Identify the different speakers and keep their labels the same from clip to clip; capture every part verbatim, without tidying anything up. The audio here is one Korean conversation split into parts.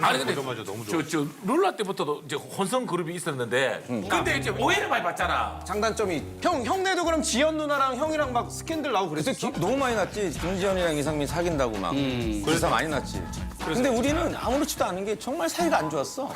Speaker 1: 아니 근데
Speaker 2: 맞아, 너무 좋아.
Speaker 1: 저, 저 룰라 때부터도 이제 혼성 그룹이 있었는데 근데 이제 오해를 많이 받잖아.
Speaker 3: 장단점이
Speaker 4: 형, 형네도 그럼 지연 누나랑 형이랑 막 스캔들 나오고 그랬어?
Speaker 3: 기- 너무 많이 났지. 김지현이랑 이상민 사귄다고 막 기사 많이 났지. 근데 우리는 아무렇지도 않은 게 정말 사이가 안 좋았어.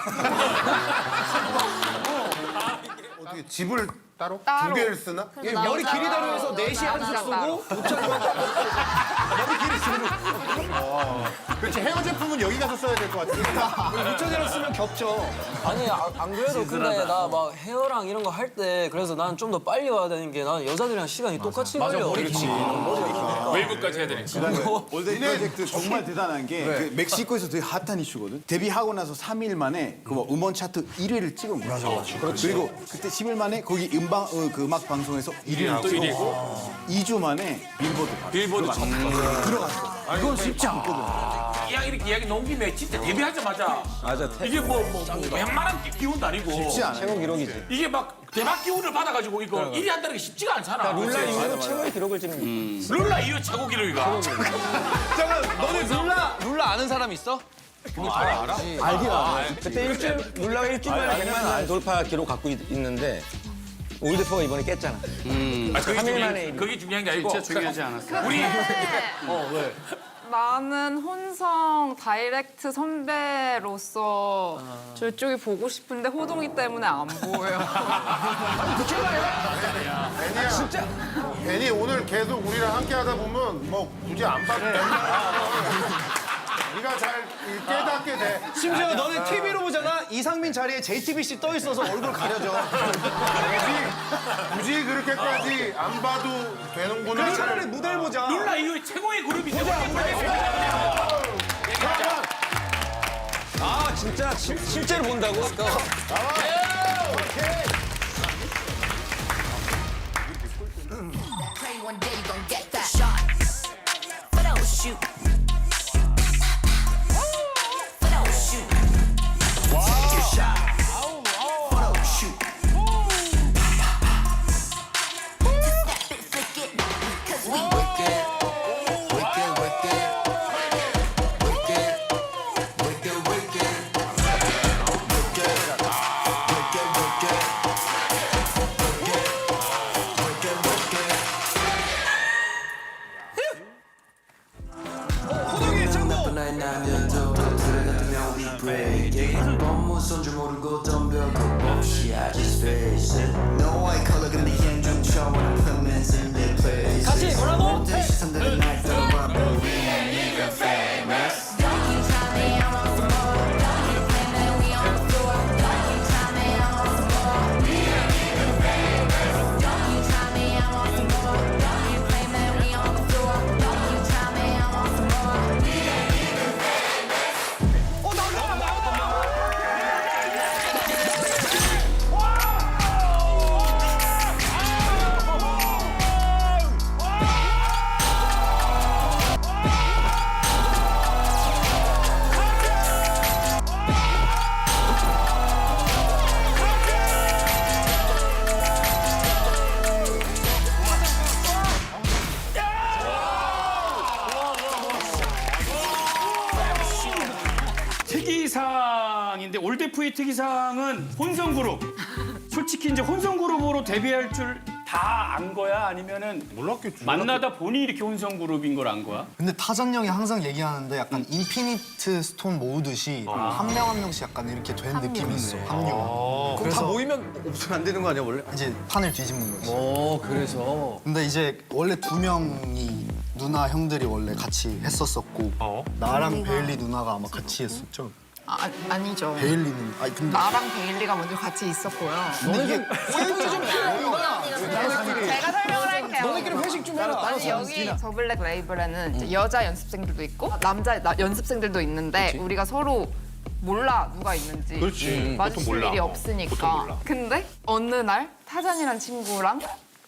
Speaker 2: 어떻게 집을 따로?
Speaker 5: 따로.
Speaker 2: 두 개를 쓰나?
Speaker 4: 예, 머리 길이 다르면서 넷이 한숙 쓰고 우찬이만 머리 길이 쓰고
Speaker 2: 그렇지, 헤어 제품은 여기 가서 써야 될 것 같아.
Speaker 4: 우찬이랑 쓰면 겹쳐.
Speaker 6: 아니 아, 안 그래도 근데 나 막 헤어랑 이런 거 할 때 그래서 나는 좀 더 빨리 와야 되는 게 나는 여자들이랑 시간이 똑같이 걸려.
Speaker 1: 그렇지. 웨이브까지 해야 되니까.
Speaker 7: 올데이 프로젝트 정말 대단한 게 그 멕시코에서 되게 핫한 이슈거든. 데뷔하고 나서 삼 일 만에 그 뭐 음원 차트 일 위를 찍은 거야. 맞아, 맞아. 그리고 그때 십 일 만에 거기 음방 어, 그 음악 방송에서 일 위를
Speaker 1: 또 일 위.
Speaker 7: 찍고 이 주 만에 빌보드
Speaker 1: 빌보드 첫
Speaker 7: 들어갔어. 이건 쉽지 않거든.
Speaker 1: 이야기 이렇게 이야기 나온 김에 진짜 데뷔하자마자
Speaker 3: 맞아.
Speaker 1: 이게 뭐뭐 웬만한 기운도 아니고
Speaker 7: 쉽지 않아.
Speaker 3: 최고 기록이지.
Speaker 1: 이게 막 대박 기운을 받아가지고 이거 일 위 한다는 게 쉽지가 않잖아.
Speaker 3: 룰라 이후로 최고의 기록을 찍는 거야.
Speaker 1: 룰라 이후 최고 기록이가.
Speaker 4: 잠깐, 너네 룰라, 룰라 아는 사람 있어?
Speaker 3: 알긴 알아. 그때 일주일 룰라가 일주일 만에 백만 안 돌파 기록 갖고 있, 있는데 올드포가 이번에 깼잖아.
Speaker 1: 아, 그게
Speaker 3: 삼 일
Speaker 1: 중요한,
Speaker 3: 만에
Speaker 1: 그게 중요한 게 아니고 진짜 중요하지 않았어. 우리
Speaker 5: 나는 혼성 다이렉트 선배로서 저쪽이 보고 싶은데 호동이 때문에 안 보여.
Speaker 2: 애니야. 진짜. 애니 오늘 계속 우리랑 함께 하다 보면 뭐 굳이 안 봐도 돼. 네가 잘 깨닫게 돼.
Speaker 4: 심지어 너네 티비로 보잖아. 이상민 자리에 제이티비씨 떠 있어서 얼굴 가려져.
Speaker 2: 굳이, 굳이 그렇게까지 안 봐도 되는구나.
Speaker 4: 그래, 차라리 무대를 보자.
Speaker 1: 룰라 이후에 최고의 그룹이 되고
Speaker 3: 아 진짜 시- 실제로 본다고?
Speaker 8: Pray one day you gon' get that shot. Photo shoot. Photo shoot. Take your shot. Photo shoot. Just snap it, flick it, 'cause we work it, work it, work it, work it, work it, work it, work it, work it, work it.
Speaker 4: 호동이 창고!
Speaker 9: 나의 남녀도 둘 같으면 we break it 한번 무서운 줄 모르고 덤벼 그 없이 I just face it No white collar 근데 현중처럼 permanence in their place
Speaker 6: 같이 뭐라고?
Speaker 9: 내 시선들은 날 떠봐 but we ain't even famous
Speaker 10: 특이사항인데 올데프의 특이사항은 혼성 그룹. 솔직히 이제 혼성 그룹으로 데뷔할 줄 다 안 거야? 아니면은
Speaker 2: 몰랐겠지.
Speaker 10: 만나다 보니 이렇게 혼성 그룹인 걸 안 거야?
Speaker 11: 근데 타잔 형이 항상 얘기하는데 약간 인피니트 스톤 모으듯이 한 명 한 명씩 약간 이렇게 된 느낌이 있어. 합류.
Speaker 4: 그럼 다 모이면 없으면 안 되는 거 아니야, 원래?
Speaker 11: 이제 판을 뒤집는 거지.
Speaker 4: 어, 그래서.
Speaker 11: 근데 이제 원래 두 명이 누나 형들이 원래 같이 했었었고 나랑 베일리 누나가 아마 같이 했었죠.
Speaker 5: 아, 아니죠.
Speaker 11: 베일리는 아니 근데
Speaker 5: 나랑 베일리가 먼저 같이 있었고요.
Speaker 11: 근데 이게
Speaker 4: 포인트 좀 필요하구나.
Speaker 5: 제가 설명을 할게요.
Speaker 4: 너네끼리 회식 좀 해라.
Speaker 5: 아니 여기 저 블랙 레이블에는 이제 여자 연습생들도 있고 남자 나- 연습생들도 있는데 우리가 서로 몰라 누가 있는지
Speaker 2: 그렇지.
Speaker 5: 마주칠
Speaker 2: 보통 몰라.
Speaker 5: 일이
Speaker 2: 어,
Speaker 5: 없으니까.
Speaker 2: 보통 몰라.
Speaker 5: 근데 어느 날 타잔이란 친구랑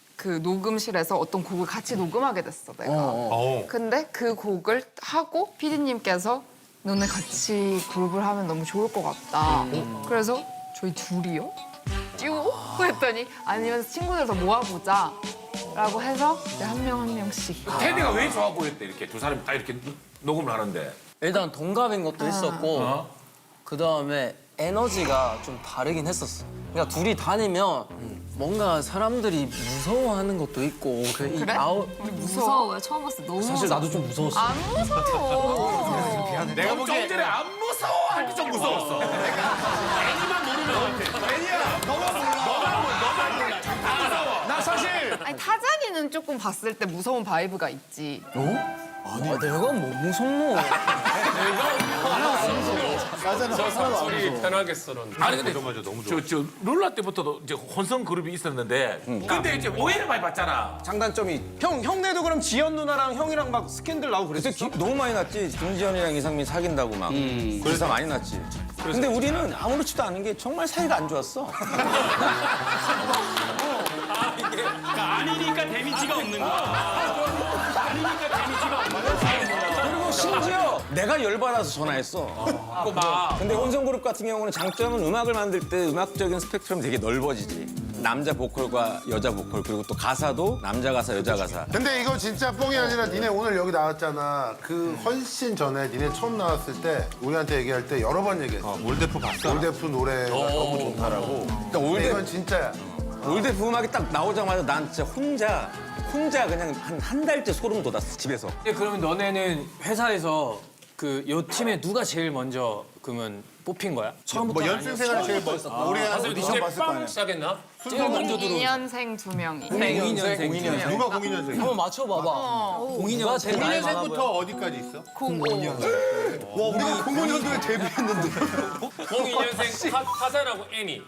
Speaker 5: 그 녹음실에서 어떤 곡을 같이 녹음하게 됐어 내가.
Speaker 2: 어.
Speaker 5: 근데 그 곡을 하고 피디님께서 너네 같이 그룹을 하면 너무 좋을 것 같다. 그래서 저희 둘이요? 듀오? 했더니 아니면 친구들 더 모아보자. 라고 해서 한 명 한 명씩.
Speaker 1: 테디가 왜 좋아 보였대 이렇게 두 사람이 다 이렇게 녹음을 하는데.
Speaker 6: 일단 동갑인 것도 있었고 그 다음에 에너지가 좀 다르긴 했었어. 그러니까 둘이 다니면 뭔가 사람들이 무서워하는 것도 있고 그 이
Speaker 5: 그래?
Speaker 6: 아웃
Speaker 12: 무서워요. 처음 봤을 때 너무
Speaker 6: 사실 나도 좀 무서웠어.
Speaker 5: 안 무서워.
Speaker 1: 내가 좀 전에 안 무서워 할 때 좀 무서웠어. 애니만 모르면 애니야 너만 몰라. 너만 몰라. 너만 몰라. 다 무서워.
Speaker 10: 나 사실
Speaker 5: 아니 타잔이는 조금 봤을 때 무서운 바이브가 있지.
Speaker 6: 아, 내가 뭐 무섭노?
Speaker 3: 저 사람들이 편하게
Speaker 1: 아니 근데 저, 저 룰라 때부터도 이제 혼성 그룹이 있었는데 근데 이제 오해를 많이 받잖아.
Speaker 4: 장단점이 형 형네도 그럼 지연 누나랑 형이랑 막 스캔들 나오고
Speaker 3: 그때
Speaker 4: 그랬어?
Speaker 3: 기- 너무 많이 났지. 김지현이랑 이상민 사귄다고 막. 그래서 많이 났지. 근데 우리는 아무렇지도 않은 게 정말 사이가 안 좋았어.
Speaker 10: 그러니까 아니니까 데미지가 없는 거야. 아니니까 데미지가 없는 거야.
Speaker 3: 그리고 심지어 내가 열받아서 전화했어.
Speaker 1: 막
Speaker 3: 근데 혼성그룹 같은 경우는 장점은 음악을 만들 때 음악적인 스펙트럼이 되게 넓어지지. 남자 보컬과 여자 보컬 그리고 또 가사도 남자 가사 여자 가사.
Speaker 2: 근데 이거 진짜 뻥이 아니라 니네 오늘 여기 나왔잖아. 그 훨씬 전에 니네 처음 나왔을 때 우리한테 얘기할 때 여러 번 얘기했어. 올데프 봤어? 올데프 노래가 너무 좋다라고.
Speaker 3: 그러니까
Speaker 2: 근데
Speaker 3: 올드
Speaker 2: 이건 진짜야.
Speaker 3: 올드프 음악이 딱 나오자마자 난 진짜 혼자 혼자 그냥 한 한 달째 소름 돋았어 집에서.
Speaker 6: 그러면 너네는 회사에서 그 요 팀에 누가 제일 먼저 그러면 뽑힌 거야? 처음부터
Speaker 2: 뭐 연습 생활 제일 멋있어. 우리 오디션 봤을 거 아니야.
Speaker 1: 시작했나?
Speaker 6: 제일 먼저 들어.
Speaker 5: 공이 년생 두 명이.
Speaker 6: 공이 년생.
Speaker 2: 누가 공이 년생?
Speaker 6: 한번 맞춰봐봐. 공이 년생 제일 나이 많아 보여.
Speaker 2: 어디까지 있어?
Speaker 5: 공오.
Speaker 2: 와, 우리가 공오 년도에 데뷔했는데.
Speaker 1: 공이 년생 타잔하고 애니.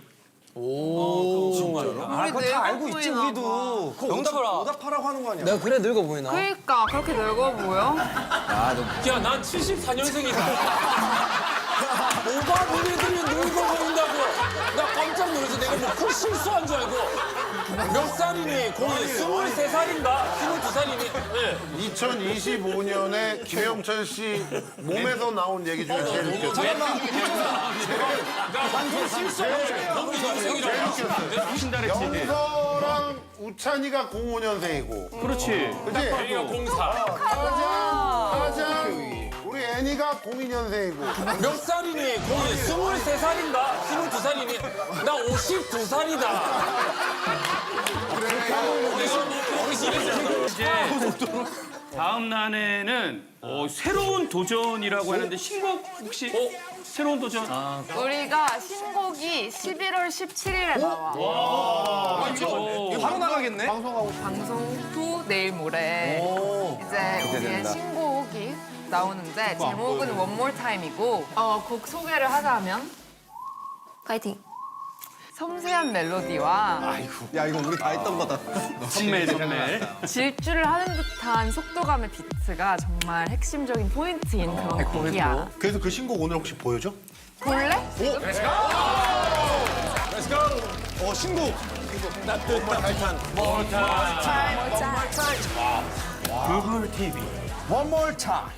Speaker 4: 아 그거 다 알고 있지
Speaker 5: 보이나
Speaker 4: 우리도. 그거
Speaker 6: 영탁
Speaker 4: 오답, 오답하라고 하는 거 아니야?
Speaker 6: 내가 그래 늙어 보이나?
Speaker 5: 그러니까 그렇게 늙어 보여?
Speaker 1: 야, 난 칠십사 년생이다.
Speaker 6: 오바 보내들이 늙어 보인다고. 나 깜짝 놀라서 내가 뭐큰 실수한 줄 알고. 몇 살이니? 거의 스물세 살인가? 스물두 살이니? 네.
Speaker 2: 이천이십오 년에 김영철 씨 몸에서 나온 얘기 중에 제일 웃겼어. 영서랑 우찬이가 공오 년생이고.
Speaker 10: 그렇지.
Speaker 2: 그치?
Speaker 1: 애니가 공사.
Speaker 2: 타장, 타장, 우리 애니가 공이 년생이고.
Speaker 6: 몇 살이니? 거의 스물세 살인가? 스물두 살이니? 나 오십두 살이다.
Speaker 10: 이제 다음 난해는 어, 새로운 도전이라고 하는데 신곡 혹시 새로운 도전?
Speaker 5: 우리가 신곡이 십일월 십칠일에 나와.
Speaker 4: 바로 나가겠네.
Speaker 2: 방송하고
Speaker 5: 방송 후 내일 모레 이제 우리의 신곡이 나오는데 제목은 One More Time이고 어, 곡 소개를 하자면
Speaker 12: 파이팅.
Speaker 5: 섬세한 멜로디와
Speaker 4: 야 이거 우리 다 했던 거다.
Speaker 10: 선멜 선멜.
Speaker 5: 질주를 하는 듯한 속도감의 비트가 정말 핵심적인 포인트인 그런 곡이야.
Speaker 2: 그래서 그 신곡 오늘 혹시 보여줘?
Speaker 5: 볼래?
Speaker 4: 어 신곡.
Speaker 10: 구글 티비.
Speaker 4: One more time.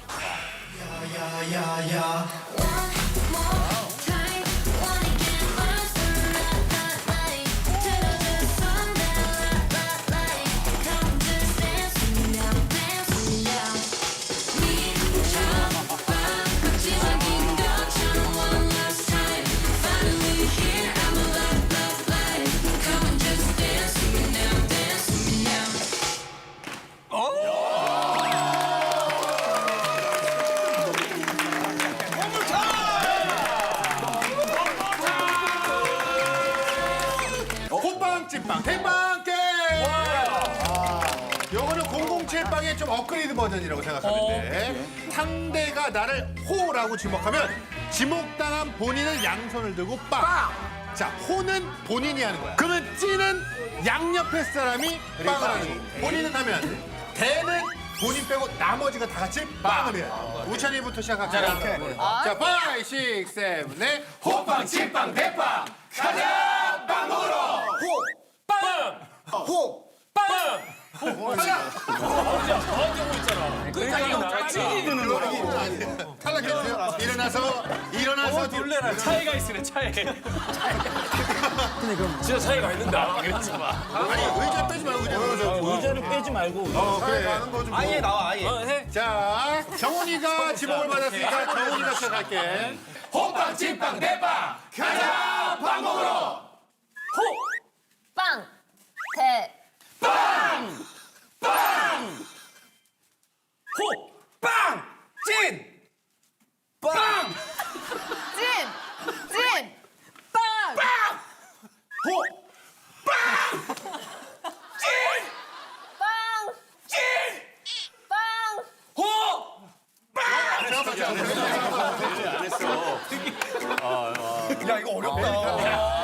Speaker 2: 호빵, 찐빵, 대빵 게임! 요거는 공공칠 빵의 좀 업그레이드 버전이라고 생각하면 돼. 상대가 나를 호라고 지목하면 지목당한 본인은 양손을 들고 빵! 자, 호는 본인이 하는 거야. 그러면 찌는 양옆에 사람이 빵을 하는 거야. 본인은 하면 안 돼. 대는 본인 빼고 나머지가 다 같이 빵을 해야 돼. 우찬이부터 시작할게요. 자, 파이, 식, 세븐, 넷. 호빵, 찐빵, 대빵! 가자! 빵 먹으러! 호!
Speaker 1: 빵!
Speaker 2: 호!
Speaker 1: 빵!
Speaker 2: 탈락했어요. 일어나서 일어나서
Speaker 10: 놀래라. 차이가 있으네 차이.
Speaker 1: 진짜 차이가 있는다. 그랬지 마.
Speaker 2: 아니 의자 빼지 말고 그냥
Speaker 3: 의자를 빼지 말고.
Speaker 2: 어 그래 가는 거좀
Speaker 4: 아예 나와 아예.
Speaker 6: 어, 해.
Speaker 2: 자 정훈이가 지목을 받았으니까 정훈이가 시작할게.
Speaker 1: 호빵 찐빵 대빵 가자 밥 먹으러
Speaker 12: 빵, 대,
Speaker 1: 빵! 빵! 호! 빵! 찐! 빵!
Speaker 5: 찐! 찐! 빵!
Speaker 1: 빵! 호! 빵! 찐!
Speaker 12: 빵,
Speaker 1: 찐!
Speaker 12: 빵.
Speaker 1: 호! 빵!
Speaker 4: 야 이거 어렵다.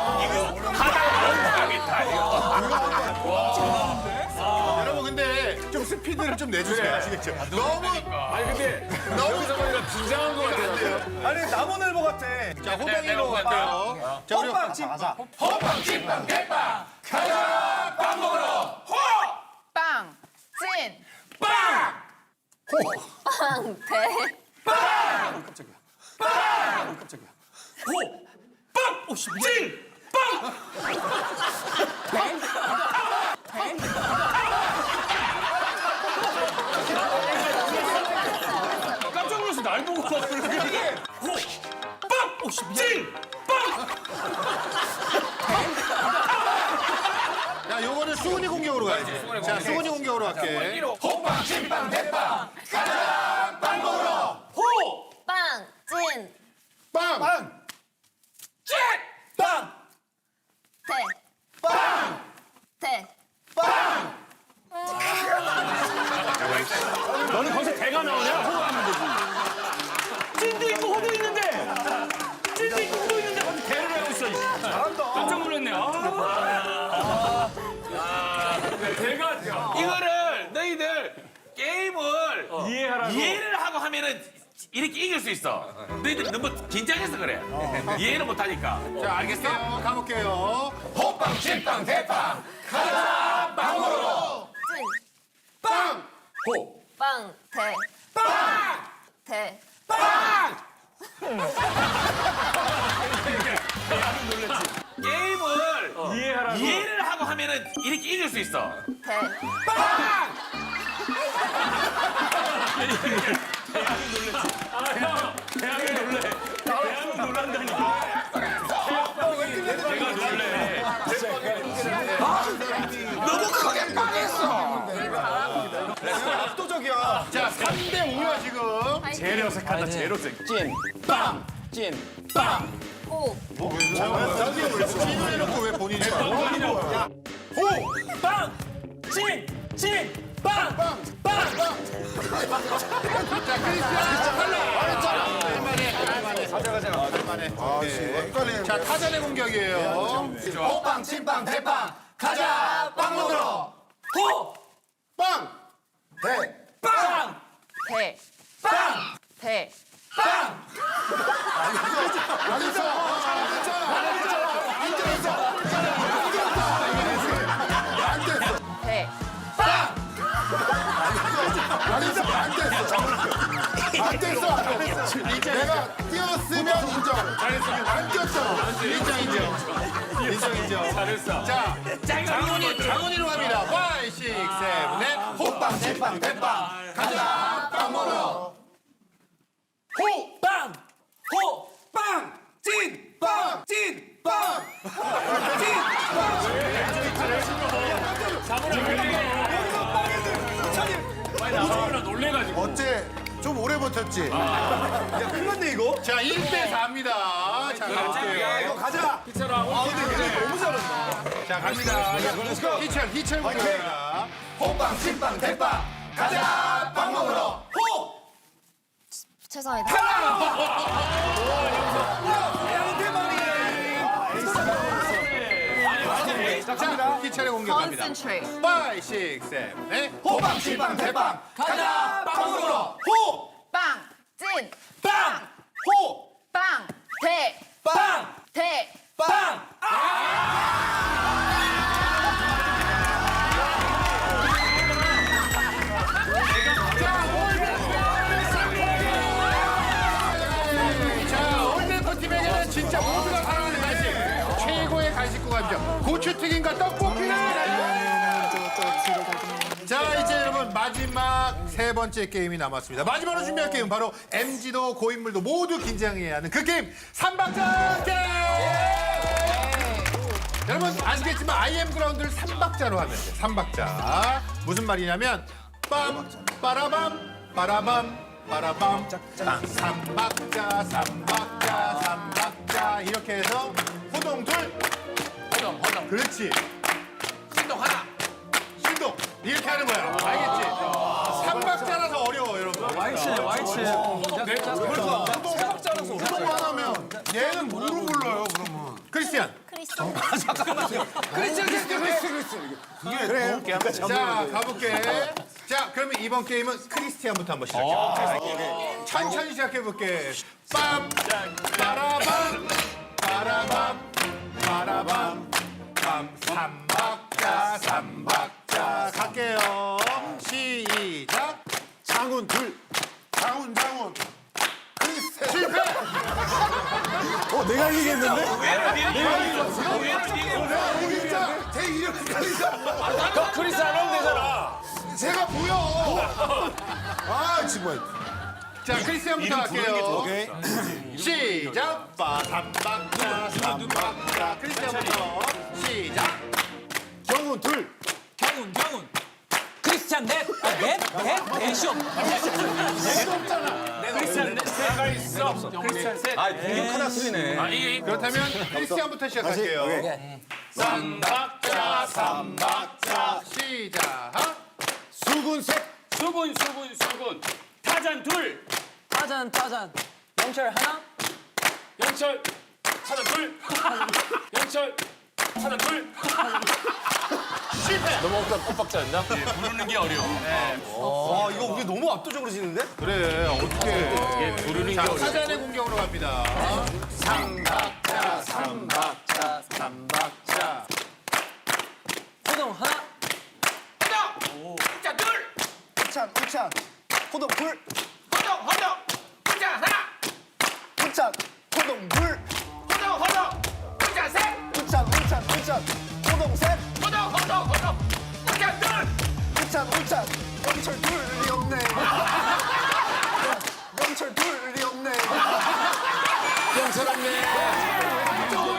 Speaker 2: 여러분 근데 좀 스피드를 좀 내주세요. 아시겠죠? 너무
Speaker 1: 아니 근데
Speaker 2: 너무
Speaker 1: 긴장한 것 같아요.
Speaker 4: 아니 나무늘보 같아.
Speaker 2: 자 호빵이로 갈게요. 자 우리
Speaker 4: 호빵 찐빵.
Speaker 1: 호빵 찐빵 대빵 가자 밥 먹으러 호!
Speaker 5: 빵! 찐!
Speaker 1: 빵!
Speaker 12: 빵, 대,
Speaker 1: 빵! 깜짝이야. 빵! 깜짝이야. 호! 빵! 오씨 찐! 빵! 깜짝 놀라서 날 보고 막 그러는 게 호! 빵! 오씨 찐! 빵!
Speaker 2: 야 요거는 수근이 공격으로 가야지. 자 수근이 공격으로 갈게.
Speaker 1: 호빵 찐빵 대빵 가자 빵 먹으러 호!
Speaker 12: 빵, 찐,
Speaker 2: 빵!
Speaker 4: 빵.
Speaker 1: 찐! 빵!
Speaker 12: 대,
Speaker 1: 빵!
Speaker 12: 대.
Speaker 1: 빵!
Speaker 10: 너는 거기서 대가 나오냐? 호하면 되지. 찐도 있고 호도 있는데. 찐도 있고 호도 있는데 거기서 대를 하고 있어.
Speaker 4: 잘한다.
Speaker 10: 깜짝 놀랐네. 아. 대가
Speaker 1: 이거를 너희들 게임을
Speaker 10: 이해하라고.
Speaker 1: 이해를 하고 하면은 이렇게 이길 수 있어. 너희들 너무 긴장해서 그래. 이해를 못하니까.
Speaker 2: 자 알겠어요. 가볼게요.
Speaker 1: 호빵 찐빵 대빵 가자 빵 먹으러
Speaker 12: 찐,
Speaker 2: 빵!
Speaker 1: 호!
Speaker 12: 빵, 대,
Speaker 1: 빵!
Speaker 12: 대.
Speaker 1: 빵! 게임을
Speaker 10: 이해하라고.
Speaker 1: 이해를 하고 하면은 이렇게 이길 수 있어.
Speaker 12: 대,
Speaker 1: 빵!
Speaker 10: 아, 형. 대학이 놀래. 대학이 놀란다니까. 내가 놀래.
Speaker 1: 너무 크게 빵했어.
Speaker 4: 압도적이야.
Speaker 2: 자 삼 대 오야 지금.
Speaker 10: 제일 어색하다. 제일 어색.
Speaker 3: 찐, 빵, 찐, 빵.
Speaker 12: 호,
Speaker 2: 찐을 해놓고 왜 본인이 해?
Speaker 10: 호! 빵! 찐! 찐! 빵! 빵! 빵!
Speaker 2: 자 크리스티안 탈락. 할만해 할만해. 가자 가자 할만해. 아 자 타잔의 공격이에요.
Speaker 1: 호빵 찐빵 대빵 가자 빵 먹으러 호!
Speaker 2: 빵!
Speaker 4: 대.
Speaker 1: 빵!
Speaker 5: 대!
Speaker 1: 빵!
Speaker 5: 대!
Speaker 1: 빵!
Speaker 2: 안 했어. 안 했잖아. 안 됐어.
Speaker 5: 대!
Speaker 1: 빵!
Speaker 2: 안 됐어. 안 됐어. 안 됐어. 내가 뛰었으면 인정. 잘했으면 안 뛰었잖아. 인정 인정. 인정 인정.
Speaker 1: 잘했어.
Speaker 2: 자 장훈이 장훈이로 갑니다. 오, 육, 칠, 팔. 호빵 찐빵 대빵 가자 빵 먹으러.
Speaker 1: 호! 빵! 호! 빵! 찐! 빵! 찐! 빵! 찐!
Speaker 10: 많이 나오느라 놀래가지고.
Speaker 2: 어째 좀 오래 버텼지?
Speaker 4: 야 큰건데 이거.
Speaker 2: 자 일 대 사입니다. 자
Speaker 4: 야
Speaker 2: 가볼게요.
Speaker 4: 이거 가자. 아 근데 얘네 너무 잘한다.
Speaker 2: 자 갑니다. 희철 희철 공격입니다.
Speaker 1: 호빵 찐빵 대빵 가자 빵 먹으러 호!
Speaker 12: 죄송합니다.
Speaker 2: 자 희철의 공격합니다.
Speaker 5: Concentrate.
Speaker 2: 오, 육, 칠, 팔.
Speaker 1: 호빵 찐빵 대빵 가자 빵 먹으러 호!
Speaker 5: 빵! 찐!
Speaker 1: 빵! 호!
Speaker 5: 빵! 대!
Speaker 1: 빵!
Speaker 5: 대!
Speaker 1: 빵!
Speaker 2: 자 올림픽 팀에게는 진짜 모두가 사랑하는 간식 최고의 간식 구간이죠. 고추튀김과 떡볶이를. 자 이제 여러분 마지막 세 번째 게임이 남았습니다. 마지막으로 준비할 게임 바로 엠지도 고인물도 모두 긴장해야 하는 그 게임 삼박자 게임! 여러분 아시겠지만 아이엠 그라운드를 삼박자로 하면 돼요. 삼박자. 무슨 말이냐면 빰 빠라밤 빠라밤 빠라밤 삼박자 삼박자 삼박자 이렇게 해서 호동 둘
Speaker 1: 호동 호동.
Speaker 2: 그렇지
Speaker 1: 신동 하나.
Speaker 2: 신동 이렇게 하는 거야. 알겠지? 삼박자라서 어려워 여러분.
Speaker 4: 와이치네, 와이치.
Speaker 2: 호동 하나면 얘는 뭐로 불러요 그러면? 크리스티안.
Speaker 12: 크리스찬.
Speaker 2: 자 가볼게. 자 그러면 이번 게임은 크리스티안부터 한번 시작해. 천천히 시작해 볼게. 빰 빠라밤 빠라밤 빠라밤 빰 삼박자 삼박자 갈게요. 시작.
Speaker 7: 장훈 둘.
Speaker 2: 장훈 장훈. 실패.
Speaker 7: 어 내가 이기겠는데?
Speaker 2: 진짜 제 이름까지
Speaker 6: 너 크리스 안 하면 되잖아.
Speaker 2: 제가 보여. 아 정말. 자 크리스티안부터 할게요. 시작. 빠삼박자 삼박자 크리스티안부터 시작.
Speaker 7: 정훈 둘.
Speaker 6: 경훈 경훈. 크리스찬 넷. 아, 넷? 넷? 넷이 없.
Speaker 1: 크리스찬 넷가 있어. 크리스찬 셋.
Speaker 3: 아, 공격 하나 틀리네.
Speaker 1: 아 이게
Speaker 2: 그렇다면 크리스티안부터 시작할게요. 삼박자 삼박자 시작.
Speaker 7: 수군 셋.
Speaker 10: 수군 수군 수군. 타잔 둘.
Speaker 6: 타잔 타잔. 영철 하나.
Speaker 10: 영철. 타잔 둘. 영철. 타잔 둘.
Speaker 6: 너무 엇박자였나?
Speaker 1: 부르는 게 어려워.
Speaker 4: 와, 이거 우리 너무 압도적으로 지는데?
Speaker 2: 그래 어떻게?
Speaker 1: 이게 부르는 게
Speaker 2: 자
Speaker 1: 어려워.
Speaker 2: 사전의 공격으로 갑니다. 삼박자 삼박자 삼박자.
Speaker 6: 호동 하나.
Speaker 1: 호동. 진짜 둘.
Speaker 11: 우찬 우찬 호동 불
Speaker 1: 호동 호동. 진짜 하나.
Speaker 11: 우찬 호동 불
Speaker 1: 호동 호동. 진짜 셋.
Speaker 11: 우찬 우찬 우찬 호동 셋
Speaker 1: 호동 호동 호동. 진짜 둘.
Speaker 11: 우찬 우찬 영철 둘이 없네 영철 둘이 없네
Speaker 6: 영철 없네.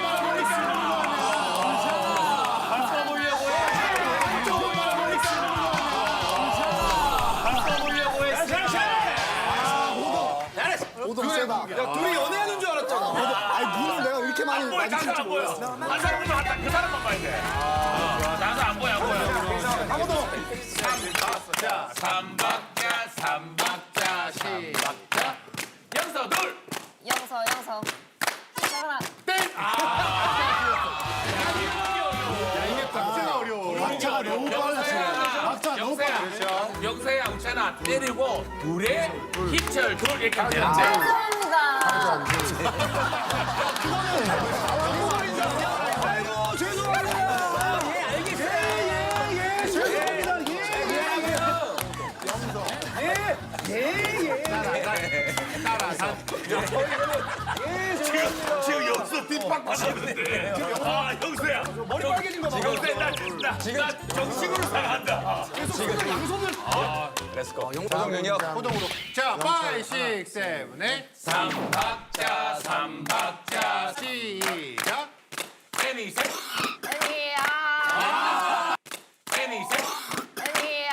Speaker 11: 호동 세다
Speaker 4: 야, 둘이 연애하는 줄 알았잖아.
Speaker 11: 아니 눈은 내가 이렇게 많이
Speaker 1: 안 보여. 나도 안 보여. 한 사람만 한다. 그 사람만 봐야 돼. 아, 나도 안 보여 안 보여. 삼박자 삼박자 삼박자 시박자. 영서 둘.
Speaker 12: 영서 영서. 하나.
Speaker 2: 이게 박자가 어려워. 박자가 너무 빨라. 박자 너무 빨라.
Speaker 1: 영서야, 영서야, 우찬아 때리고 둘에 힘철 둘 이렇게 하면 되는데.
Speaker 12: 감사합니다.
Speaker 1: 지금 영서 뒷박 받았는데. 아 영서야. 머리 빨개진 거 봐. 영서야 나 진짜 지금 정식으로 사랑한다.
Speaker 3: 조정윤이요.
Speaker 2: 호동으로. 자, 파이브, 식스, 세븐, 에잇.
Speaker 1: 삼박자 삼박자
Speaker 2: 시작.
Speaker 1: 애니 셋
Speaker 12: 애니야.
Speaker 1: 애니 셋
Speaker 12: 애니야.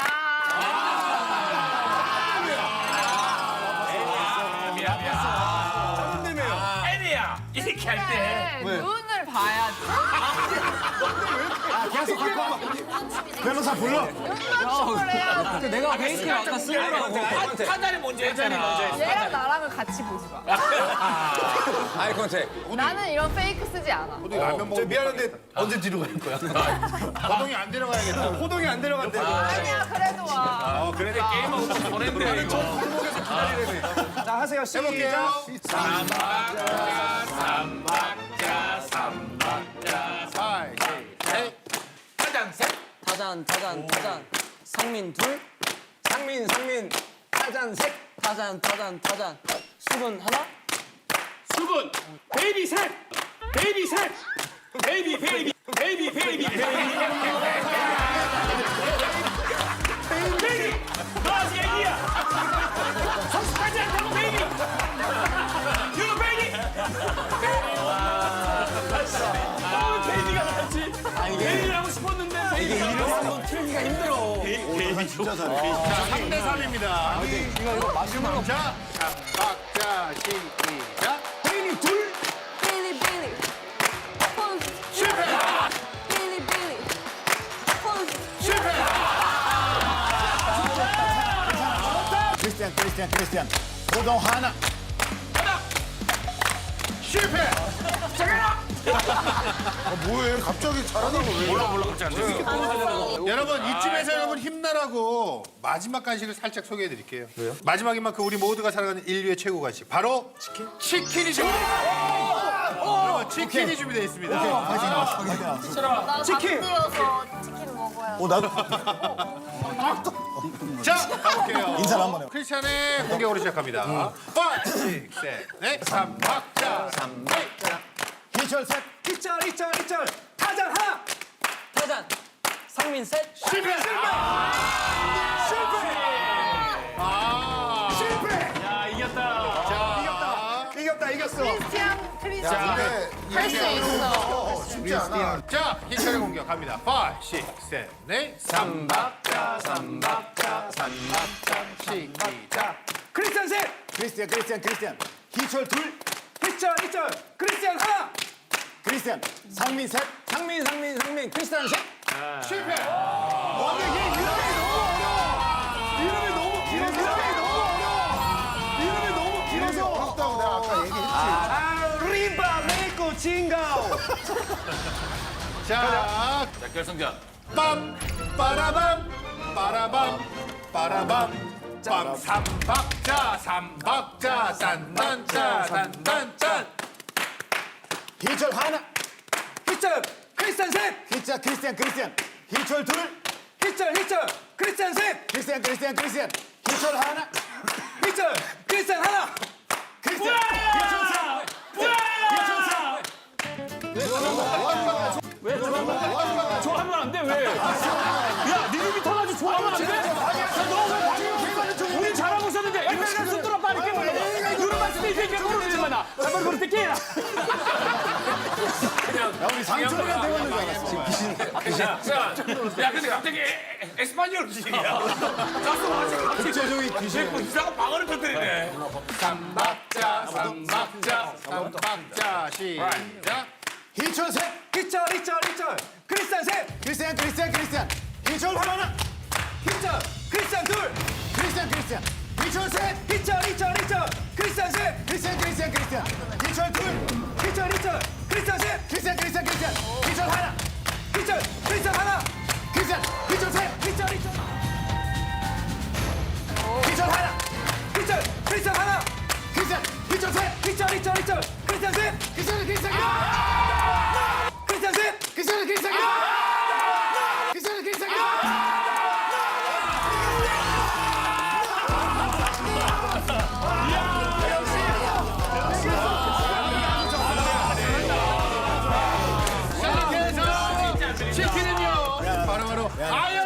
Speaker 1: 미안 미안. 애니야 이렇게 할 때.
Speaker 5: 눈을 봐야지.
Speaker 2: 변호사 불러.
Speaker 5: 눈맞춤을 해야지.
Speaker 6: 내가 베이킹 아까 쓰려고.
Speaker 1: 판단이 먼저 했잖아.
Speaker 5: 얘랑 나랑은 같이 보지 마.
Speaker 3: 아이 컨택.
Speaker 5: 나는 이런 페이크 쓰지 않아.
Speaker 2: 호동이 라면 먹어.
Speaker 4: 미안한데 언제 뒤로 갈 거야?
Speaker 2: 호동이 안 데려가야겠다.
Speaker 4: 호동이 안 데려간대.
Speaker 5: 아니야 그래도 와.
Speaker 2: 어, 그래.
Speaker 1: 게임하고 보냈네 이거.
Speaker 4: 자, 하세요.
Speaker 2: 해볼게요.
Speaker 1: 삼박자 삼박자 삼박자
Speaker 2: 파이브, 식스, 에잇.
Speaker 1: 타잔 셋
Speaker 6: 타잔 타잔 타잔. 상민 둘.
Speaker 3: 상민, 상민. 타잔 셋.
Speaker 6: 타잔 타잔 타잔. 수근 하나.
Speaker 10: 수군. 베이비 셋. 베이비 셋. 베이비 베이비 베이비 베이비 베이비. 베이비. 너 아직 애기야. 베일을 하고 싶었는데 베일 한번 틀기가 힘들어.
Speaker 7: 진짜 잘해.
Speaker 2: 자, 삼 대 삼입니다.
Speaker 4: 이거 이거 마지막으로
Speaker 2: 자, 박자 시작.
Speaker 4: 베일이 둘.
Speaker 12: 빌리 빌리 폰
Speaker 2: 실패.
Speaker 12: 빌리 빌리 폰
Speaker 2: 실패.
Speaker 7: 크리스티안 크리스티안 크리스티안. 고동 하나.
Speaker 2: 실패. 아, 뭐해? 갑자기 잘하다고 왜?
Speaker 1: 몰라 몰라 그렇지 않네.
Speaker 2: 여러분 이쯤에서 여러분 힘나라고 마지막 간식을 살짝 소개해 드릴게요. 왜요? 마지막인 만큼 우리 모두가 살아가는 인류의 최고 간식 바로 치킨. 치킨이 준비되어 있습니다. 여러분 치킨이 준비되어 있습니다.
Speaker 12: 나
Speaker 4: 치킨.
Speaker 12: 감기여서 치킨 먹어야
Speaker 7: 어 나도.
Speaker 2: 자 가볼게요.
Speaker 7: 인사를 한번 해요.
Speaker 2: 크리스찬의 공격으로 시작합니다. 오, 육, 칠, 넷, 삼 박자, 삼 박자.
Speaker 7: 희철 셋.
Speaker 4: 이절 이절 이절. 타잔 하나.
Speaker 6: 타잔. 상민 셋.
Speaker 2: 실패. 아,
Speaker 4: 실패.
Speaker 10: 야 이겼다.
Speaker 2: 자,
Speaker 4: 이겼다 이겼어.
Speaker 5: 크리스티안 크리스티안 할 수 있어.
Speaker 2: 쉽지 않아. 자, 희철의 공격 갑니다. 오, 육, 칠, 넷, 삼 박자, 삼 박자, 삼 박자. 시작.
Speaker 4: 크리스티안 셋.
Speaker 7: 크리스티안 크리스티안 크리스티안. 희철 둘.
Speaker 4: 이절 이절. 크리스티안 하나.
Speaker 7: 크리스티안. 상민 셋.
Speaker 6: 상민 상민 상민 크리스탄 셋.
Speaker 2: 실패.
Speaker 4: 와, 근데 얘 이름이 너무 어려워. 이름이 너무 길어서. 이름이 너무 어려워. 이름이 너무 길어서.
Speaker 2: 어렵다고 내가 아까 얘기했지.
Speaker 4: 아, 리바 메이코 징가오.
Speaker 2: 자,
Speaker 1: 자 결승전.
Speaker 2: 빰, 빠라밤, 빠라밤, 빠라밤. 빰, 삼 박자, 삼 박자, 딴딴짜, 딴딴짠.
Speaker 7: 희철 하나.
Speaker 4: 이절 크리스티안 셋.
Speaker 7: 희철 크리스티안 크리스티안. 희철 둘.
Speaker 4: 이절 이절. 크리스티안 셋.
Speaker 7: 크리스티안 크리스티안 크리스티안. 희철 하나.
Speaker 4: 이절 크리스티안 하나.
Speaker 7: 크리스티안. 희철 셋.
Speaker 10: 좋아하면 안 돼 왜? 야 니들이 터가지고 좋아하면 안 돼? 야너왜 방금 우리 잘하고 있었는데 이거 손들어 빨리 깨버려. 누르 봤을 때 이게 모르지 마나. 잠깐 그럴 때 깨라.
Speaker 7: 야 우리 상철이가 되는 줄 알았어.
Speaker 1: 자, 야 근데 갑자기 에스파뇰 지식이야. 가수 마치
Speaker 7: 국제적인 귀신.
Speaker 1: 뭐 이상한 방언을 터뜨리네.
Speaker 2: 삼 박자, 삼 박자, 삼 박자. 시작.
Speaker 7: 희철 셋.
Speaker 4: 이절 이절 이절. 크리스티안 셋.
Speaker 7: 크리스티안 크리스티안 크리스티안. 희철 하나.
Speaker 4: 이절 크리스티안 둘.
Speaker 7: 크리스티안 크리스티안. 희철 셋.
Speaker 4: 이절 이절 이절. 크리스티안 셋.
Speaker 7: 크리스티안 크리스티안 크리스티안. 희철 둘.
Speaker 4: 이절 이절. 크리스티안 셋.
Speaker 7: 크리스티안 크리스티안 크리스티안. 희철 하나.
Speaker 4: 이절 크리스티안 하나.
Speaker 7: 크리스티안. 희철 셋.
Speaker 4: 이절 이절.
Speaker 7: 희철 하나.
Speaker 4: 이절 크리스티안 하나.
Speaker 7: 크리스티안. 희철 셋.
Speaker 4: 이절 이절 이절. 크리스티안 셋.
Speaker 7: 크리스티안 크리스티안.
Speaker 4: 크리스티안 셋.
Speaker 7: 크리스티안 크리스티안. 크리스티안 크리스티안.
Speaker 2: 자, 그래서 치킨은요. 바로 바로 아연